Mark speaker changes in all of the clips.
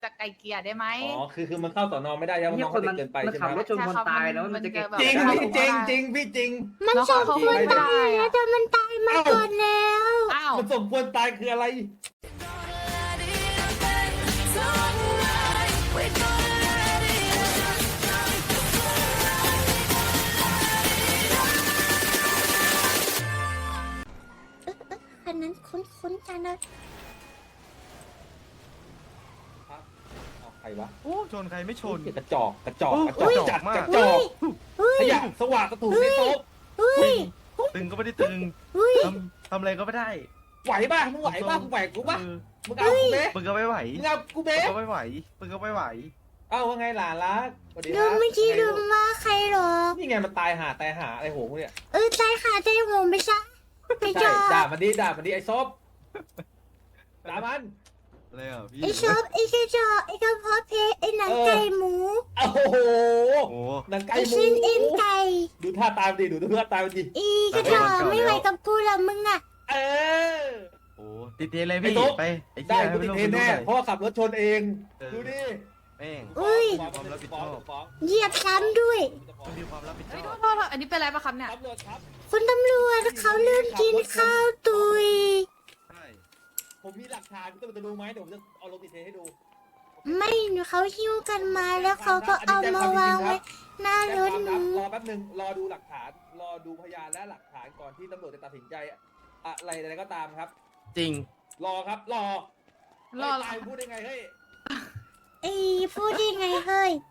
Speaker 1: จะไกลเกลี่ยได้ไหม
Speaker 2: อ๋อคือมันเข้าสอนอไม่ได้ใช่ไหมน้องเขาเด็กเกินไป
Speaker 3: มัน
Speaker 2: ใช่ไหม
Speaker 3: ขับรถชนคนตายแล้วมันจะเก็บ
Speaker 2: จริงพี่จริงจริงพี่จริง
Speaker 1: มันสมควรตายแล้วแต่มันตายมาก่อนแล้วอ้าว
Speaker 2: มันสมควรตายคืออะไร
Speaker 1: คันนั้นคุ้นๆจังเลย
Speaker 2: ใครวะ
Speaker 4: โอ้ชนใครไม่ชน
Speaker 2: กระจอกจัด
Speaker 4: กระจอก
Speaker 2: ก
Speaker 4: มาก
Speaker 2: ระจอกขยะสว่างกระถูกในโต๊ะ
Speaker 4: ตึงก็ไม่ได้ตึงทำอะไรก็ไม่ได้
Speaker 2: ไหวป่ะมึงไหวป่ะมึงไหวกูป่ะ
Speaker 4: เออ
Speaker 2: มึงเอากูเบ้
Speaker 4: มึงก็ไม่ไหว
Speaker 2: มึงเอากู
Speaker 4: มึ
Speaker 2: เบ้
Speaker 4: งก็ไม่ไหวมึงก็ไม่ไหว
Speaker 2: เอ้าว่าไงหลานรักสวัสดีค
Speaker 1: ดู
Speaker 2: รับ
Speaker 1: เมื่อกี้ดูว่าใครหรอ
Speaker 2: นี่ไงมันตายหาอะไรโหมึงเนี่ย
Speaker 1: ใจขาใจโหงไปซะไปจ
Speaker 2: ใช่
Speaker 1: อ
Speaker 2: ด่ามันดิไอ้ซบด่ามัน
Speaker 4: อะไรอ่ะพี่
Speaker 1: ไอชอบไอกระจอกไอกระเพาะเพไอหนังไก่หมู
Speaker 2: โอ้โห
Speaker 4: โอ้
Speaker 2: หนังไก่
Speaker 1: ไอ
Speaker 2: หมู
Speaker 1: ชิ้นเอ็นไก่
Speaker 2: ดูท่าตามดิดูท่าตามดิ
Speaker 1: อีกระจอกไม่ไหวกับกูละมึงอ่ะ
Speaker 2: เออ
Speaker 4: โหติดเทเลยพี่
Speaker 2: ไอ้ตุ๊ก
Speaker 4: ไปไอ้
Speaker 2: ได้
Speaker 4: เหี้ย
Speaker 2: กูติด
Speaker 4: ม่
Speaker 2: เท
Speaker 4: ต้
Speaker 2: ร
Speaker 4: อง
Speaker 2: นแน่
Speaker 4: ไป
Speaker 2: เพราะว่าขับรถชนเอง ดูดิ
Speaker 4: แม่ง
Speaker 1: อุ้ย
Speaker 4: ความรับผิดชอบ
Speaker 2: ฟ้อง
Speaker 1: เหยียบซ้ำด้วย
Speaker 4: ต้องมีความรับผิดช
Speaker 1: เฮ้ย
Speaker 4: อบ
Speaker 1: โทษอันนี้เป็นอะไรปะครับเนี่ย
Speaker 2: ตำรวจครับ
Speaker 1: คุณตำรวจเขาลืมกินข้าวตุย
Speaker 4: ใช่
Speaker 2: ผมมีหลักฐานคุณตำรวจจะดูไหมเดี๋ยวผมจะเอาลงติดเทรนให้ดู
Speaker 1: ไม่หนูเขาหิ้วกันมาแล้วเขาก็เอามาวางไว้หน้ารถหนู
Speaker 2: รอแป๊บนึงรอดูหลักฐาน รอดูพยานและหลักฐานก่อนที่ตำรวจจะตัดสินใจอะไรก็ตามครับ
Speaker 4: จริง
Speaker 2: รอครับ รอ
Speaker 1: รอ
Speaker 2: ตายพูดได้ไงเฮ้ย
Speaker 1: ไอ้พูดยังไงเฮ้ย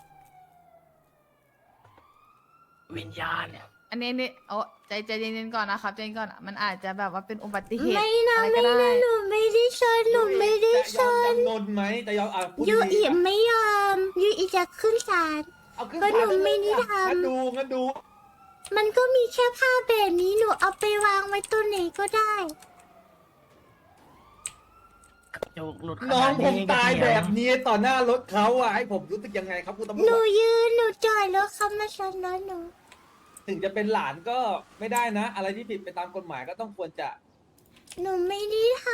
Speaker 4: วิญญาณ
Speaker 5: อันนี้นี่โอ้ใจเย็นๆก่อนนะครับใจเย็นก่อนมันอาจจะแบบว่าเป็นอุบัติเหตุ
Speaker 1: ไม่นะ
Speaker 5: อะไร
Speaker 1: ไม่
Speaker 5: ก็ได้
Speaker 1: นะหนูไม่ได้ชนหนูไม่ได้ช
Speaker 2: จะยอม
Speaker 1: น
Speaker 2: จำนนไหมจะยอมพูด
Speaker 1: ยู
Speaker 2: ดี
Speaker 1: อี
Speaker 2: ๆ
Speaker 1: ไม่ยอมยูอีจะขึ้นศาล
Speaker 2: เอาขึ้น
Speaker 1: ก็หนู
Speaker 2: ศาล
Speaker 1: ไม่ได้ทำ
Speaker 2: งั้นดู
Speaker 1: มันก็มีแค่ผ้าแบบนี้หนูเอาไปวางไว้ตัวไหนก็ได้
Speaker 4: โจกหลุด
Speaker 2: น้องผมตายแบบนี้ต่อหน้ารถเขาอ่ะให้ผมรู้สึกยังไงครับคุณตำร
Speaker 1: ห
Speaker 2: ว
Speaker 1: นู
Speaker 2: จ
Speaker 1: ยืนหนูจอดแล้วเขามาชนรถหนู
Speaker 2: ถึงจะเป็นหลานก็ไม่ได้นะ อะไรที่ผิดไปตามกฎหมายก็ต้องควรจะ
Speaker 1: หนูไม่ได้ท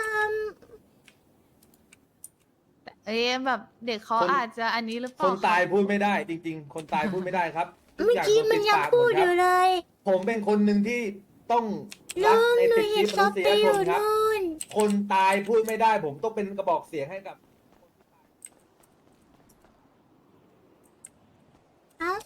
Speaker 5: เอ้ยแบบเด็กเขาอาจจะอันนี้หรือเป
Speaker 2: ค
Speaker 5: ล่าน
Speaker 2: ตายพูดไม่ได้ จริง ๆ คนตายพูดไม่ได้ครับ
Speaker 1: ำเมื่อกี้มันยังพูดอยู่เลย
Speaker 2: ผมเป็นคนหนึ่งที่ต้อง
Speaker 1: ลุ
Speaker 2: รัก
Speaker 1: ง
Speaker 2: ใน
Speaker 1: หนู
Speaker 2: สิท
Speaker 1: เห็
Speaker 2: ธิ
Speaker 1: น
Speaker 2: ม
Speaker 1: เขา
Speaker 2: นุษ
Speaker 1: ไป
Speaker 2: ย
Speaker 1: อ
Speaker 2: ช
Speaker 1: ยู่
Speaker 2: นครับ
Speaker 1: นู่น
Speaker 2: คนตายพูดไม่ได้ ผมต้องเป็นกระบอกเสียงให้กับ
Speaker 1: เอ้า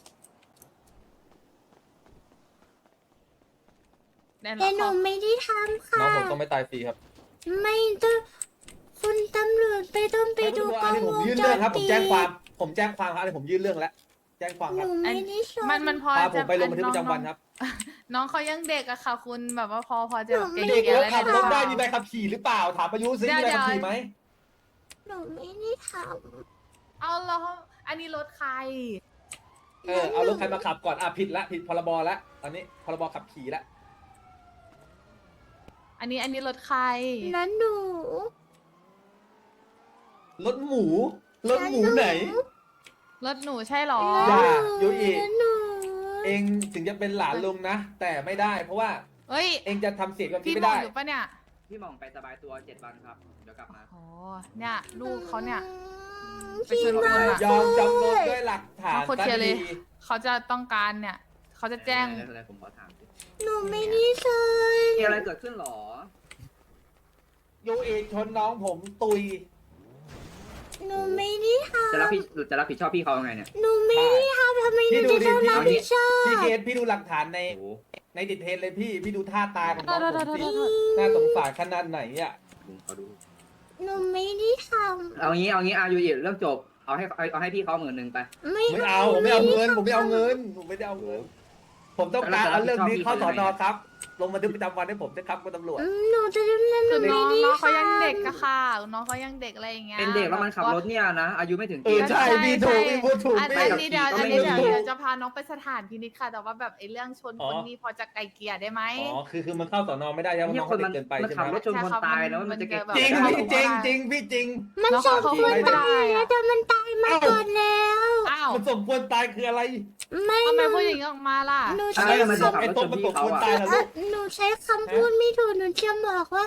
Speaker 5: แน่น
Speaker 1: แต่
Speaker 5: อน
Speaker 1: หนูไม่ได้ทำค่ะ
Speaker 2: น้องผมต้องไม่ตายฟรีครับ
Speaker 1: ไม่ต้องคุณตำรวจไปต้องไปดูกล้
Speaker 2: อั
Speaker 1: อน ง
Speaker 2: นี้ผ
Speaker 1: ว
Speaker 2: ม
Speaker 1: ง
Speaker 2: ยื่น
Speaker 1: จ
Speaker 2: เรื่อง
Speaker 1: ร
Speaker 2: ครับ ผ
Speaker 1: ปิ
Speaker 2: ม
Speaker 1: ด
Speaker 2: แจ้งความครับอันนี้ผมยื่นเรื่องแล้ว แจ้งความ
Speaker 1: ห
Speaker 2: ครับ
Speaker 1: นูไม่ได้ชน
Speaker 5: มันพอ
Speaker 2: พาผ
Speaker 5: จะ
Speaker 2: มไปลงบันทึกประจำวันครับ
Speaker 5: น้องเขายังเด็กอะค่ะ คุณแบบว่าพอจะ
Speaker 1: หนูไม่
Speaker 5: เก่ง
Speaker 2: เด็ก
Speaker 5: ๆ
Speaker 2: แล้ว
Speaker 5: อะไร
Speaker 2: ขับรถได้มี
Speaker 5: ห
Speaker 2: ใบ
Speaker 5: รือเปล่า
Speaker 2: ขับขี่หรือเปล่า ถามอายุซิมีใบขับขี่ไหม
Speaker 1: หนูไม่ได้ท
Speaker 5: เอาแล้วอันนี้รถใคร
Speaker 1: ำ
Speaker 2: เอารถใครมาขับก่อนผิดพรบละตอนนี้พรบขับขี่ละ
Speaker 5: อันนี้รถใคร
Speaker 1: นั้นหนู
Speaker 2: รถหมูไหน
Speaker 5: รถหนูใช่หรอ
Speaker 2: อย่า
Speaker 1: หนู
Speaker 2: โยอิ
Speaker 1: นั้นหนู
Speaker 2: เองถึงจะเป็นหลานลุงนะ แต่ไม่ได้ เพราะว่า
Speaker 5: เฮ้ย
Speaker 2: เองจะทำเสียงแบบนี้
Speaker 5: พี่
Speaker 2: ไม่
Speaker 5: มอง
Speaker 2: ได้
Speaker 5: อยู่ปะเนี่ย
Speaker 3: พี่หม่องไปสบายตัว7 วันครับ เดี๋ยวกลับมา
Speaker 5: โอ้เนี่ยลูกเขาเนี่ย ไป
Speaker 1: พี่
Speaker 5: ชน
Speaker 1: มา
Speaker 5: คนอะ
Speaker 2: ยอมจำนนด้วยหลักฐาน
Speaker 5: เอาคนเชียร์เลย เขาจะต้องการเนี่ย เขาจะแจ้ง
Speaker 3: อะไรผมขอถามสิ
Speaker 1: หนูไม่ได้ชน
Speaker 3: มีอะไรเกิดขึ้นหรอ
Speaker 2: โยเอชนน้องผมตุย
Speaker 1: หนูไม่ได้ท
Speaker 3: จะรับผิดชอบพี่เขายังไงเนี่ย
Speaker 1: ำหนูไม่ได้ทำทำไมหนู
Speaker 2: พี่ดู
Speaker 1: จะ
Speaker 2: ดิ
Speaker 1: ต้องรับผิดชอบ
Speaker 2: พี่เกดพี่ดูหลักฐานใน
Speaker 3: โอ้โห
Speaker 2: ในติดเทรนเลยพี่ดูท่าตายของน้องผมสิ
Speaker 5: โทษ
Speaker 2: น่าสงสารขนาดไหนอ่ะ
Speaker 3: ลุงเขาดู
Speaker 1: หนูไม่ได้ท
Speaker 3: เอางี้อายุเรื่องจบ เอาให้พี่เขา10,000ไป
Speaker 1: ำไม่
Speaker 2: ไม่เอาผมไม่เอาเงินผมไม่เอาเงินผมต้องการเอาเรื่องนี้เข้าสอนอครับ ลงบันทึกประจำวันให้ผมด้วยครับคุณตำรวจ
Speaker 1: หนูจะดำเนินห
Speaker 5: คื
Speaker 1: นู
Speaker 5: อ
Speaker 1: ไม่
Speaker 5: น้อง
Speaker 1: ได้
Speaker 5: เขายังเด็ก
Speaker 1: ทำ
Speaker 5: อะค่ะ น้องเขายังเด็กอะไรอย่างเงี้ย
Speaker 3: เป็นเด็กแล้วมันขับรถเนี่ยนะ อายุไม่ถึง
Speaker 2: เออใช่พี่ถูกพี่พูดถูก
Speaker 5: อัน
Speaker 2: พี่
Speaker 5: นี้เดี๋ยว
Speaker 3: ก็
Speaker 5: อัน
Speaker 3: ไม่
Speaker 5: นี้
Speaker 3: รู้
Speaker 5: เดี๋ยวจะพาน้องไปสถานพินิจค่ะ แต่ว่าแบบไอ้เรื่องชนคนนี้พอจะไกลเกลี่ยได้ไหม
Speaker 2: อ๋อคือมันเข้าสอนอไม่ได้ใช่ไหม
Speaker 3: เนี่
Speaker 2: น้
Speaker 3: ย
Speaker 2: อง
Speaker 3: คน
Speaker 2: เขา
Speaker 3: มัน
Speaker 2: เด็กเกินไป
Speaker 3: มัน
Speaker 2: ใช่
Speaker 3: ขับ
Speaker 2: ไหม
Speaker 3: รถชนคนตายแล้วมันจะเก็บ
Speaker 5: มัน
Speaker 2: จริง
Speaker 5: จะแบบ
Speaker 2: พี่จริงจริงพี่จริง
Speaker 1: มัน
Speaker 5: น้อง
Speaker 1: ส
Speaker 5: เขา
Speaker 1: มควร
Speaker 5: ไม่ได้
Speaker 1: ตายแล้วแต่มันตายมาก่อนแล้ว
Speaker 5: อ้าว
Speaker 2: มันสมควรตายคืออะไร
Speaker 1: ไม่
Speaker 5: ทำ
Speaker 1: ห
Speaker 5: ไม
Speaker 1: นู
Speaker 5: พูดอย่างนี้ออกมาล่ะ
Speaker 1: หนู
Speaker 3: ใช่
Speaker 1: ใช้
Speaker 3: มัน
Speaker 1: ค
Speaker 3: จะขับรถชนพี่เขา
Speaker 2: ตาย
Speaker 3: อ่ะ
Speaker 2: แล้ว
Speaker 1: หนูใช้คำพูดไม่ถูกหนูจะบอกว่า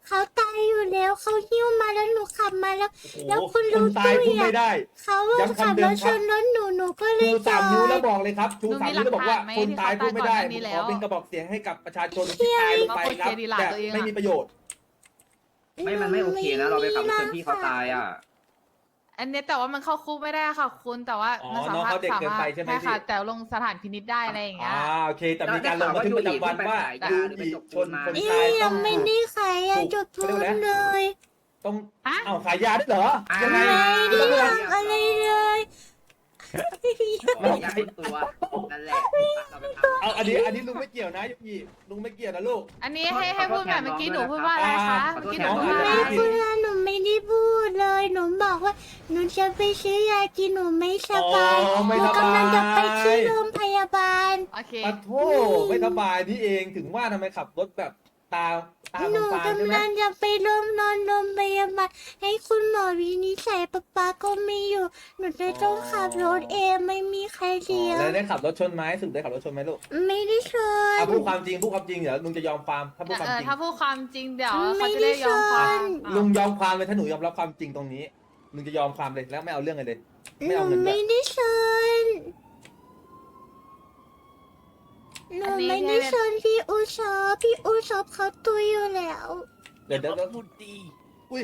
Speaker 1: เขาตายอยู่แล้วเขาหิ้วมาแล้วหนูขับมาแล้ว
Speaker 2: โอ้โห
Speaker 1: แล้วคุณ
Speaker 2: ค
Speaker 1: ลุ
Speaker 2: น
Speaker 1: ง
Speaker 2: ตาย
Speaker 1: ตุ้ย
Speaker 2: พูดไม่
Speaker 1: อะ
Speaker 2: ได้
Speaker 1: เขาอะ
Speaker 2: ย้ำ
Speaker 1: ขับ
Speaker 2: คำเดิ
Speaker 1: ร
Speaker 2: ม
Speaker 1: ถ
Speaker 2: ค
Speaker 1: ช
Speaker 2: รับ
Speaker 1: นรถหนูก็เลย
Speaker 2: ชู
Speaker 1: จ
Speaker 2: สาม
Speaker 1: อ
Speaker 2: นิ้ว
Speaker 1: ด
Speaker 2: แล้วบอกเลยครับชูสามนิ้วแล้วบอกว่า
Speaker 5: หนู
Speaker 2: คน
Speaker 5: มีหลักฐานไหม
Speaker 2: ตายพูดไม่ได้
Speaker 5: ที่
Speaker 2: ผม
Speaker 5: เขา
Speaker 2: ขอ
Speaker 5: ตายก่อนหน้านี้แล้ว
Speaker 2: เป็นกระบอกเสียงให้กับประชาชนที่ตายลงไปครับ
Speaker 5: มาโคตรเสียดีหลา
Speaker 2: แต่
Speaker 5: ตัวเองอะ
Speaker 2: ไม่มีประโยชน์
Speaker 3: มันไม่โอเคนะ เราไปขับรถชนพี่เขาตายอ่ะ
Speaker 5: อันเนี้ยแต่ว่ามันเข้าคุกไม่ได้ค่ะคุณแต่ว่า
Speaker 2: อ๋อ
Speaker 5: มันสา
Speaker 2: น้อง
Speaker 5: มารถ
Speaker 2: เขาเด็ก
Speaker 5: สา
Speaker 2: เกิน
Speaker 5: มาร
Speaker 2: ไป
Speaker 5: ถ
Speaker 2: ใช่ไหม
Speaker 5: ใช่ค่ะ
Speaker 2: พี่
Speaker 5: แต่ลงสถานพินิจได้อะไรอย่างเงี้ย
Speaker 2: โอเค แต่มีการลงบันทึกประจำวันว่า
Speaker 3: แล้ว
Speaker 2: ดู
Speaker 3: ได้
Speaker 2: อี
Speaker 3: ข่าว
Speaker 2: ช
Speaker 3: ว่าน
Speaker 2: คน
Speaker 3: อยู่ดี
Speaker 2: ตาย
Speaker 1: ยั
Speaker 2: ต้อง ง
Speaker 1: ไม่ได้ขายยาจุดทุนเลย
Speaker 2: ต้อง
Speaker 5: ฮะ
Speaker 2: เอาขายยาด้วยเหรอยังไง
Speaker 1: ไม่ได้ทำอะไรเลย
Speaker 3: ไม่อยากเป็นตัวนั่นแหละเราไปทำ
Speaker 2: เอาอันนี้ลุงไม่เกี่ยวนะยุกี้ลุงไม่เกี่ยวนะลูก
Speaker 5: อันนี้ให้พูดแบบเมื่อกี้หนูพูดว่าอะไรคะ
Speaker 3: ขอโทษ
Speaker 5: เมื่อกี้หนู
Speaker 3: แทน
Speaker 5: พูด
Speaker 3: น้
Speaker 5: ว่า
Speaker 3: อง
Speaker 5: อะไร
Speaker 1: ไม่คุณอาหนูไม่ได้พูดเลยหนูบอกว่าหนูจะไปซื้อยากินหนูไม่สบาย
Speaker 2: อ๋อ
Speaker 1: ห
Speaker 2: ไม่
Speaker 1: นู
Speaker 2: สบาย
Speaker 1: กำลังจะไปที่โรงพยาบาล
Speaker 5: โอเค
Speaker 2: ปะโทไม่สบายนี่เองถึงว่าทำไมขับรถแบบตา
Speaker 1: หนู
Speaker 2: ฟ้าใช่
Speaker 1: กำ
Speaker 2: ไหม
Speaker 1: ลังจะไปนอนโรงพยาบาลให้คุณหมอวินิจฉัยป๊าก็ไม่อยู่หนูจะต้องขับรถเองไม่มีใครเลี้ยง
Speaker 2: แล้วได้ขับรถชนไหมสุดได้ขับรถชนไหมลูก
Speaker 1: ไม่ได้ชน
Speaker 2: พูดความจริงเดี๋ยวลุงจะยอมความถ้าพูดความจริง
Speaker 5: ถ้าพูดความจริงเดี๋ยว
Speaker 1: ไม่
Speaker 5: เขาจะ
Speaker 1: ได้
Speaker 5: ได้ยอมความ
Speaker 1: ชน
Speaker 2: ลุงยอมความเลยถ้าหนูยอมรับความจริงตรงนี้ลุงจะยอมความเลยแล้วไม่เอาเรื่องเลย
Speaker 1: ห
Speaker 2: ไม่
Speaker 1: นู
Speaker 2: เอาเงินด้ว
Speaker 1: ไม่
Speaker 2: ย
Speaker 1: ได้ชนหนูไม่ได้ชนพี่อูชอบเขาตุยอยู่แล้ว
Speaker 2: เดี๋ยว
Speaker 4: พูดดี
Speaker 2: อุ้ย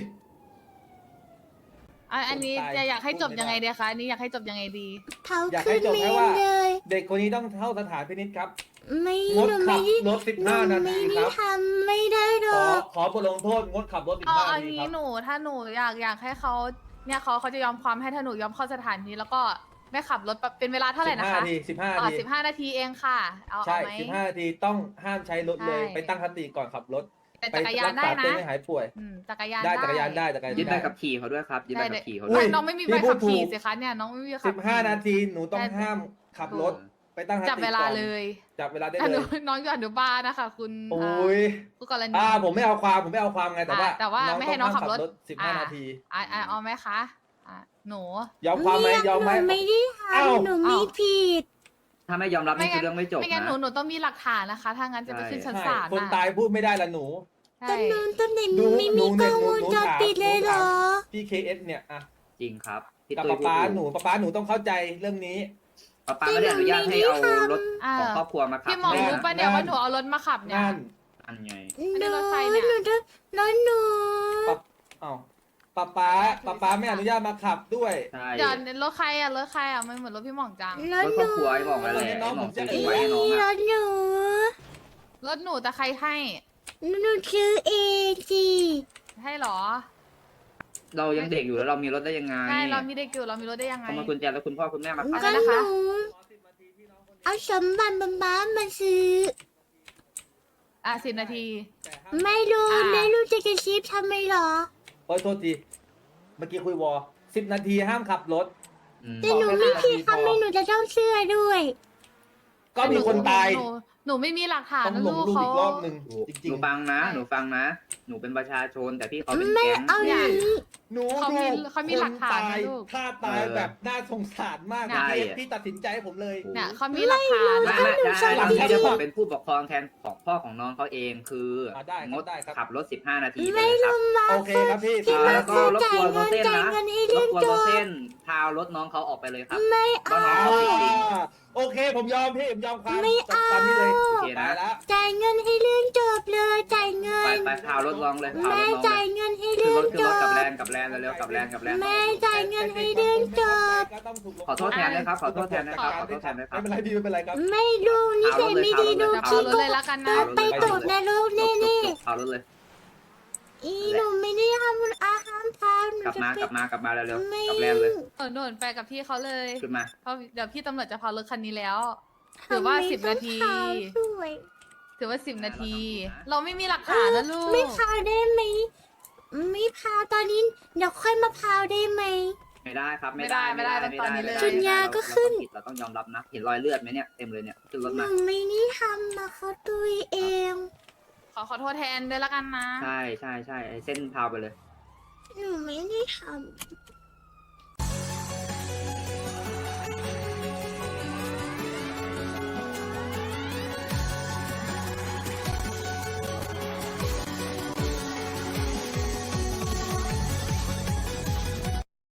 Speaker 5: อันนี้
Speaker 2: คนตาย
Speaker 5: จะอยากให้จบ
Speaker 2: พูดไม่ได้
Speaker 5: ยังไงดีคะอันนี้อยากให้จบยังไงดี
Speaker 1: เผา
Speaker 2: อยากให้
Speaker 1: ขึ้น
Speaker 2: จบ
Speaker 1: เม
Speaker 2: แค่
Speaker 1: น
Speaker 2: ว่า
Speaker 1: เลย
Speaker 2: เด็กคนนี้ต้องเข้าสถานพินิจครับ
Speaker 1: ไม่
Speaker 2: งด
Speaker 1: หนู
Speaker 2: ขั
Speaker 1: ไม่
Speaker 2: บ
Speaker 1: ได้
Speaker 2: รถ
Speaker 1: หนู
Speaker 2: 15 นา
Speaker 1: ไม่
Speaker 2: ทีค
Speaker 1: ได้
Speaker 2: รับ
Speaker 1: ทำไม่ได้หร
Speaker 2: ขอ
Speaker 1: อก
Speaker 2: ขอบทลงโทษงดขับรถ
Speaker 5: เอา
Speaker 2: 15
Speaker 5: อั
Speaker 2: นาน ที
Speaker 5: นี้
Speaker 2: ครับ
Speaker 5: หนูถ้าหนูอยากให้เขาเนี่ยเขาจะยอมความให้ถ้าหนูยอมเข้าสถานที่แล้วก็ไม่ขับรถเป็นเวลาเท่าไหร่นะคะ
Speaker 2: 15 นาที
Speaker 5: 15 นาทีเองค่ะ เอา
Speaker 2: ใช่
Speaker 5: ไหม
Speaker 2: 15 นาทีต้องห้ามใช้รถเลย
Speaker 5: ใช่
Speaker 2: ไปตั้งสติก่อนขับรถ
Speaker 5: แต่
Speaker 2: ไป
Speaker 5: จักรยา
Speaker 2: รั
Speaker 5: น
Speaker 2: ก
Speaker 5: ได้
Speaker 2: ษา
Speaker 5: นะ
Speaker 2: ตัวให้หายป่วย
Speaker 5: จักรยาน
Speaker 2: ได้จักรยานได้จักรยาน
Speaker 3: ยึดใบ
Speaker 2: ได้
Speaker 3: ขับขี่เขาด้วยครับยึดใบขับขี่เขา
Speaker 2: อุ้
Speaker 3: ด้วย
Speaker 2: ย
Speaker 5: น้องไม่มี
Speaker 2: พี่
Speaker 5: ใบ
Speaker 2: พู
Speaker 5: ขั
Speaker 2: ด
Speaker 5: บขี่
Speaker 2: ถูก
Speaker 5: สิคะเนี่ยน้องไม่มีใบขับขี่
Speaker 2: 15 นาทีหนูต้องห้ามขับรถไปตั้งสติก่อน
Speaker 5: จับเวลาเลย
Speaker 2: จับเวลาได้
Speaker 5: แต่ห
Speaker 2: เล
Speaker 5: นู
Speaker 2: ย
Speaker 5: น้องอยู่อนุบาลนะคะคุณ
Speaker 2: โอ้ย
Speaker 5: ผู้กรณี
Speaker 2: ผมไม่เอาความไงแต่ว่า
Speaker 5: แต่ว่าไม่ให้น้องขับรถ
Speaker 2: 15 นาที
Speaker 5: เอาไหมคะหนู
Speaker 2: ยอมความไหมยอมไหม
Speaker 1: หนูไม่ได้ท
Speaker 2: เอ้า
Speaker 1: ำหนูไม่ผิด
Speaker 3: ถ้าไม่ยอมรับนี่คือเรื่องไม่จบ
Speaker 5: ไม่งั้น
Speaker 3: นะ
Speaker 5: หนูต้องมีหลักฐานนะคะ ถ้างั้นจะไปขึ้นชั้น
Speaker 2: ใช่
Speaker 5: ศาล
Speaker 2: คนตายพูดไม่ได้ละหนู
Speaker 5: ใช่
Speaker 1: ต้นไหน
Speaker 2: ดู
Speaker 1: ไม่มีกล้องวงจรปิดเลยเหรอ
Speaker 2: พี่ KS เนี่ยอะ
Speaker 3: จริงครับพี่
Speaker 2: กับ
Speaker 3: ตุ้ย
Speaker 2: ป๊า
Speaker 3: พูด
Speaker 2: ป๊าหนูต้องเข้าใจเรื่องนี้
Speaker 3: ป๊าไม่ได้อนุญาตให้เอารถของครอบครัวมาขับ
Speaker 5: พี่หมอรู้ปะเนี่ยว่าหนูเอารถมาขับเนี่ย
Speaker 2: นั่น
Speaker 3: อันไง
Speaker 1: หนู
Speaker 5: รถไฟเนี่ย
Speaker 1: หนูจะรถหนู
Speaker 2: เอ้าป๊าไม่อนุญาตมาขับด้วย
Speaker 3: ใช่
Speaker 5: เดี๋ยวรถใครไม่เหมือนรถพี่หม่องจัง
Speaker 1: ร
Speaker 3: ร
Speaker 1: ถ
Speaker 3: ถ
Speaker 1: ห
Speaker 3: คร
Speaker 1: นู
Speaker 3: อบครัวไอ้บอกนั่นแหละไอ้หมอซื้อทิ้งไว้ให้น้อง
Speaker 1: ร
Speaker 3: อ่ะ
Speaker 1: ถหนู
Speaker 5: รถหนูแต่ใครให้
Speaker 1: หนูซื้อเองสิ
Speaker 5: ให้หรอ
Speaker 3: เรายังเด็กอยู่แล้วเรามีรถได้ยังไง
Speaker 5: ใช่เรามีเด็กอยู่เรามีรถได้ยังไง
Speaker 3: เขามากุญแจแล้วคุณพ่อคุณแม่มาขับ
Speaker 1: ก็
Speaker 5: นะ
Speaker 1: ห
Speaker 5: คะ
Speaker 1: นูเอาสมบัติบ้ามาซื้อ
Speaker 5: 10 นาที
Speaker 1: ไม่รู้ไม่รู้จะกระซิบทำไมหรอ
Speaker 2: โอ้ยโทษทีเมื่อกี้คุยวอ10 นาทีห้ามขับรถ
Speaker 1: แต่หนูไม่ผิดทำไมหนูจะต้องเชื่อด้วย
Speaker 2: ก็มีคนตาย
Speaker 5: หนูไม่มีหลักฐาน
Speaker 2: ต้อง
Speaker 5: นะ
Speaker 2: หล
Speaker 5: ลู
Speaker 2: ง
Speaker 5: ก
Speaker 2: ลูก
Speaker 5: เขา
Speaker 2: อีกรอบหนึ่ง
Speaker 3: ห
Speaker 2: จริง
Speaker 3: นูฟังนะ หนูฟังนะ หนูเป็นประชาชนแต่พี่เขาเป็น
Speaker 1: ไม่
Speaker 3: แก๊ง
Speaker 1: เอาอย่างนี้
Speaker 2: ๆหนู
Speaker 5: เขามี
Speaker 2: ดู
Speaker 5: เขามีหลักฐาน
Speaker 2: คต
Speaker 5: นะ
Speaker 2: ย
Speaker 5: ลูก
Speaker 2: ถ้าตายแบบน่าสงสารมาก
Speaker 5: ใช่
Speaker 2: พี่ตัดสินใจให้ผมเลย
Speaker 5: เนี่ยเขามีหลักฐาน
Speaker 3: ไม่ได้ที่จะบอกเป็นผู้ปกครองแทนของพ่อของน้องเขาเองคือ
Speaker 2: ได้
Speaker 3: งด
Speaker 2: ได้ครับ
Speaker 3: ขับรถ15 นาทีไป
Speaker 1: ไม่
Speaker 3: เลยค
Speaker 1: ล
Speaker 3: รับ
Speaker 1: งมา
Speaker 2: โอเคครับพี่
Speaker 1: ที่มา
Speaker 3: แล้วก็
Speaker 1: คือ
Speaker 3: รบ
Speaker 1: จ่าก ย
Speaker 3: วน
Speaker 1: เงิน
Speaker 3: โบเซ่น
Speaker 1: จ่าย
Speaker 3: นะ
Speaker 1: เงินให้
Speaker 3: ร
Speaker 1: เรีย
Speaker 3: บ
Speaker 1: น
Speaker 3: กวน
Speaker 1: จ
Speaker 3: โบบ เส้นพาวรถน้องเขาออกไปเลยครับ
Speaker 1: ไม่
Speaker 3: ว่า
Speaker 1: เอา
Speaker 3: น้องเขาผิดจริง
Speaker 2: โอเคผมยอมพี่ผมยอมความ
Speaker 1: ไม่เอา
Speaker 2: ตามนี้เลย
Speaker 3: โอเค
Speaker 2: ไป
Speaker 3: นะ
Speaker 2: แล้ว
Speaker 1: จ่ายเงินให้เรื่องจบเลยจ่ายเงิ
Speaker 3: ไป
Speaker 1: น
Speaker 3: ไปพาวรถลองเลยพาวร
Speaker 1: แม่
Speaker 3: ถน้อง
Speaker 1: จ่าย
Speaker 3: เลย
Speaker 1: เงินให้
Speaker 3: ขึ้น
Speaker 1: เรื่
Speaker 3: ร
Speaker 1: อง
Speaker 3: ถขึ้น
Speaker 1: จ
Speaker 3: รถกับบ แลนกับแลนเร็วๆกับแลนกับแลน
Speaker 1: แม่จ่ายเงินให้เรื่องจบ
Speaker 2: ก็ต้องถูกลง
Speaker 3: ขอโทษแทนนะครับขอโทษแทนนะครับขอโทษแทนนะครับ
Speaker 2: ไม่เป็นไรพี่ไม่เป็นไรครับ
Speaker 1: ไม่ดูนิสัยไม่ดีดู
Speaker 5: จะ
Speaker 1: ขี้
Speaker 5: เอารถ
Speaker 1: โก
Speaker 5: เลย
Speaker 1: ง
Speaker 5: แล้วกัน
Speaker 1: โด
Speaker 5: นะ
Speaker 1: นไปตกนรกแน่
Speaker 3: พาวรถเลย
Speaker 1: ๆอีหนูไม่ได้ทำอาหารพาหนู
Speaker 3: กลับ
Speaker 1: จะ
Speaker 3: มา
Speaker 1: ไป
Speaker 3: กลับมากลับมาเร็ว
Speaker 1: ไม่
Speaker 3: ๆกับแลนเลย
Speaker 5: โดนไปกับพี่เขาเลย
Speaker 3: ขึ้นมา
Speaker 5: เพราะเดี๋ยวพี่ตำรวจจะพารถคันนี้แล้ว ถือว่า 10 นาที
Speaker 1: ทำไมต้องขาวด้วย
Speaker 5: ถือว่า 10 นาที เราไม่มีหลักฐานนะลูก
Speaker 1: ไม่พาวได้ไหมไม่พาวตอนนี้เดี๋ยวค่อยมาพาวได้ไหม
Speaker 3: ไม่ได้ครับ
Speaker 1: จุดยาก็ขึ้น
Speaker 3: เราต้องยอมรับนะ เห็นรอยเลือดไหมเนี่ยเต็มเลยเนี่ยขึ้นรถ
Speaker 1: ห
Speaker 3: มา
Speaker 1: นูไม่ได้ทำนะเขาตุยเอง
Speaker 5: ขอโทษแทนด้วยละกันนะ
Speaker 3: ใช่ใช่ใช่ไอ้เส้นพาวไปเลย
Speaker 1: หนูไม่ได้ทำ